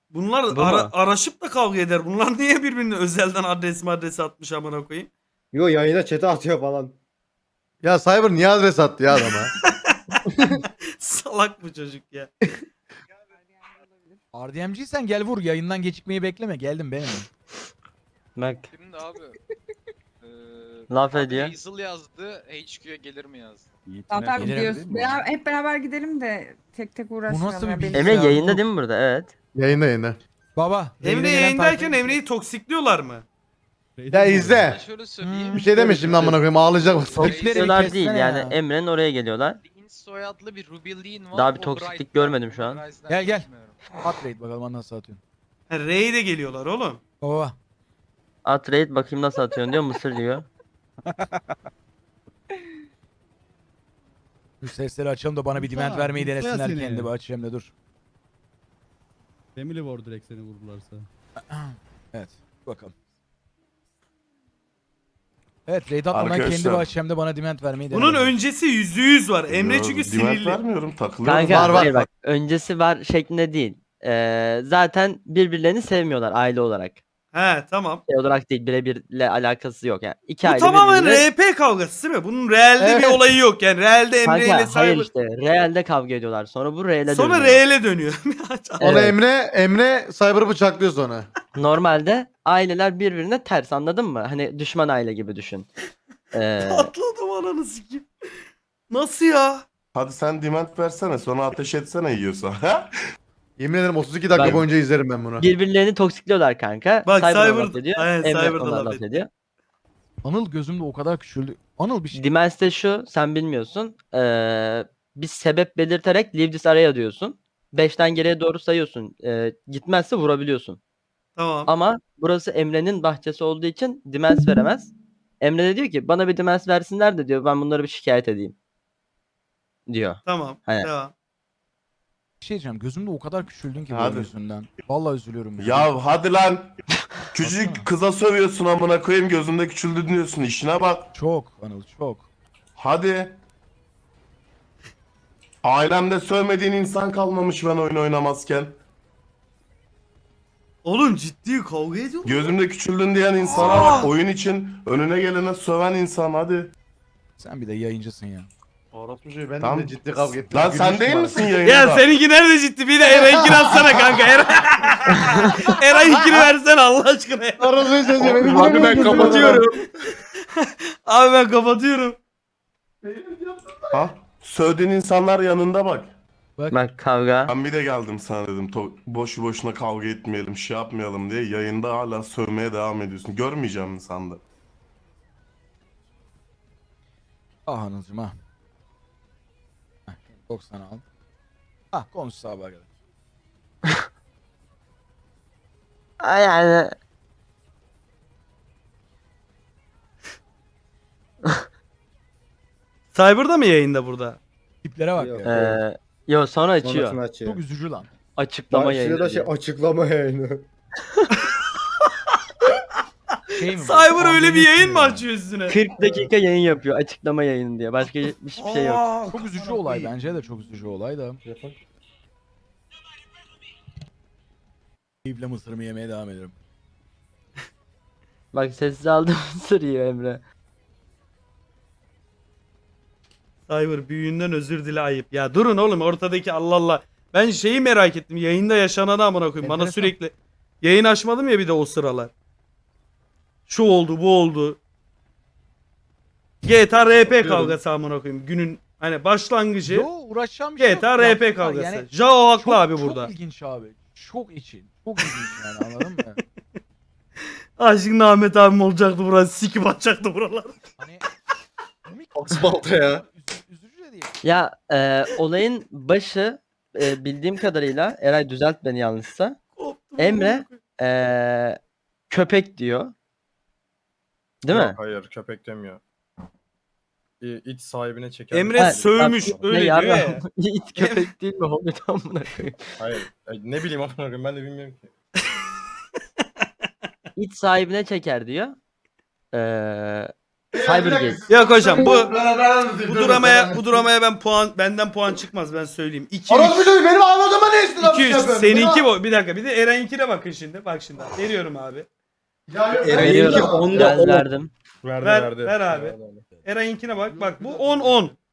Bunlar Bu mu? araşıp da kavga eder. Bunlar niye birbirine özelden adresi atmış amına koyayım? Yo yayına chat'e atıyor falan. Ya Cyber niye adres attı ya adama? Salak bu çocuk ya. RDM'ciysen gel vur, yayından gecikmeyi bekleme, geldim benim. Bak Şimdi abi. laf Abi ediyor. Hazel yazdı. HQ'ya gelir mi yazdı? Zaten Gelirim gidiyoruz. değil mi? Hep beraber gidelim de tek tek uğraşmayalım. nasıl bir ya, bilgi? benim- Emre Ya, yayında dur. değil mi burada? Evet. Yayında. Baba. Emre Reyne gelen yayındayken tayfa- Emre'yi toksikliyorlar mı? Ya izle. Ben şöyle söyleyeyim. Bir şey deme şimdi amına koyayım ağlayacak bak. Toksikleri Diyorlar kessene değil yani ya. Emre'nin oraya geliyorlar. Lin soyadlı bir Ruby Lin var. Daha bir o toksiklik Bride'den. görmedim şu an. Bride'den Gel, gel. bilmiyorum. At raid bakalım nasıl atıyorsun. Ha, R'ye de geliyorlar oğlum. Baba. At raid bakayım nasıl atıyorsun diyor mısır diyor. Şu sesleri açalım da bana bir demand Mustafa, vermeyi Mustafa denesinler, seni. kendi bir açayım da dur. Family War direkt seni vururlarsa. Evet bakalım. Evet raid atmadan kendi Arkadaşlar. bir açayım da bana demand vermeyi Bunun denesinler. öncesi %100 var. Emre Yo, çünkü demand sinirli. vermiyorum takılıyorum. Kanka Var, var, hayır var. bak öncesi var şeklinde değil. Zaten birbirlerini sevmiyorlar aile olarak. He tamam. Şey olarak değil birebirle alakası yok yani. İki Bu aile tamamen birbiriyle... RP kavgası değil mi? Bunun realde bir Evet. olayı yok yani. Realde Emre ile Kanka hayır Cyber. işte realde kavga ediyorlar sonra bu real'e Sonra dönüyor. real'e dönüyor. Ona Evet. Emre Cyber'ı bıçaklıyor sonra. Normalde aileler birbirine ters anladın mı? Hani düşman aile gibi düşün. Patladım ananı sikeyim. Nasıl ya? Hadi sen demand versene sonra ateş etsene yiyorsa. Yemin ederim 32 dakika Ben- boyunca izlerim ben bunu. Birbirlerini toksikliyorlar kanka. Bak, Cyber Cyber- laf ediyor. aynen, Emre Cyber da ona laf laf ediyor. ediyor. Anıl gözümde o kadar küçüldü. Anıl bir şey. Dimens de şu sen bilmiyorsun. Bir sebep belirterek leave this area diyorsun. 5'ten geriye doğru sayıyorsun. Gitmezse vurabiliyorsun. Tamam. Ama burası Emre'nin bahçesi olduğu için dimens veremez. Emre de diyor ki bana bir dimens versinler de diyor ben bunları bir şikayet edeyim. Diyor. Tamam. Aynen. Devam. Bir şey diyeceğim. Gözümde o kadar küçüldün ki Hadi. bu yüzünden. Vallahi üzülüyorum. Ya hadi lan. Küçücük kıza sövüyorsun amına koyayım gözünde küçüldü diyorsun işine bak. Çok Anıl çok. Hadi. Ailemde sövmediğin insan kalmamış ben oyun oynamazken. Oğlum ciddi kavga ediyor. Gözümde küçüldün diyen insana bak. Oyun için önüne gelene söven insan hadi. Sen bir de yayıncısın ya. Orospu çocuğu ben Tamam. de ciddi kavga ettim. Lan sen Gülmüştüm değil bana. misin yayında? Ya seninki nerede ciddi? Bir de Eray'ınkini atsana kanka. Eray'ınkini versene Allah aşkına. ya. Orospu çocuğu benim Abi ben gülmüştüm kapatıyorum. Abi ben kapatıyorum. Ha? Sövdüğün insanlar yanında bak. Bak kavga. Ben bir de geldim sana dedim boşu boşuna kavga etmeyelim şey yapmayalım diye yayında hala sövmeye devam ediyorsun. Görmeyeceğim mi sandın? Ah Anıl'cım ha. Heh, 90 al. Ah konuş sabaha kadar. Yani Cyber'da mı yayında burada? Tiplere bak Yok. ya. yo sonra açıyor. Sonrasını açıyor. Çok üzücü lan. Açıklama Başlığı yayını. da şey diyor. açıklama yayını. Şey mi bu? Cyber öyle bir Pandemi yayın mı mi? açıyor üstüne? 40 dakika yayın yapıyor açıklama yayını diye. Başka hiçbir şey yok. Çok üzücü olay bence de çok üzücü olay da. Keyifle mısırımı yemeye devam ederim. Bak sessiz aldım sırıyor Emre. Cyber büyüğünden özür dile ayıp. Ya durun oğlum ortadaki Allah Allah. Ben şeyi merak ettim. Yayında yaşananı amına koyayım. Bana Enteresan. sürekli yayın açmadım ya bir de o sıralar. Şu oldu, bu oldu. GTA RP kavgası amına koyayım. Günün hani başlangıcı Yo uğraşacağım bir şey yok. GTA RP Yapsınlar. kavgası. Yani Jao haklı çok, abi çok burada. ilginç abi. Çok için. Çok ilginç yani anladın mı? Aşkın Ahmet abim olacaktı burası. Sikip atacaktı buralar. Hani komik. Asfalta ya. Üzücü de değil. Ya olayın başı bildiğim kadarıyla Eray düzelt beni yanlışsa. Koptum Emre amına koyayım. köpek diyor. Değil mi? Yok, hayır köpek demiyor. İç sahibine çeker. Emre Ha, sövmüş bak, öyle ne diyor yarra- ya. İt köpek değil mi? Hobbit amına koyayım. Hayır. Ne bileyim amına koyayım ben de bilmiyorum ki. İt sahibine çeker diyor. Eee Cybergate. Yok hocam bu dramaya benden puan çıkmaz ben söyleyeyim. 2 Orospu çocuğu benim anladığıma ne istiyorsun? 2 3 seninki bu. Bir dakika bir de Eren'inkine bakın şimdi. Bak şimdi. Veriyorum abi. Eren'inki onda Ben 10. verdim. Ver abi. Eren'inkine bak. Bak bu 10 10.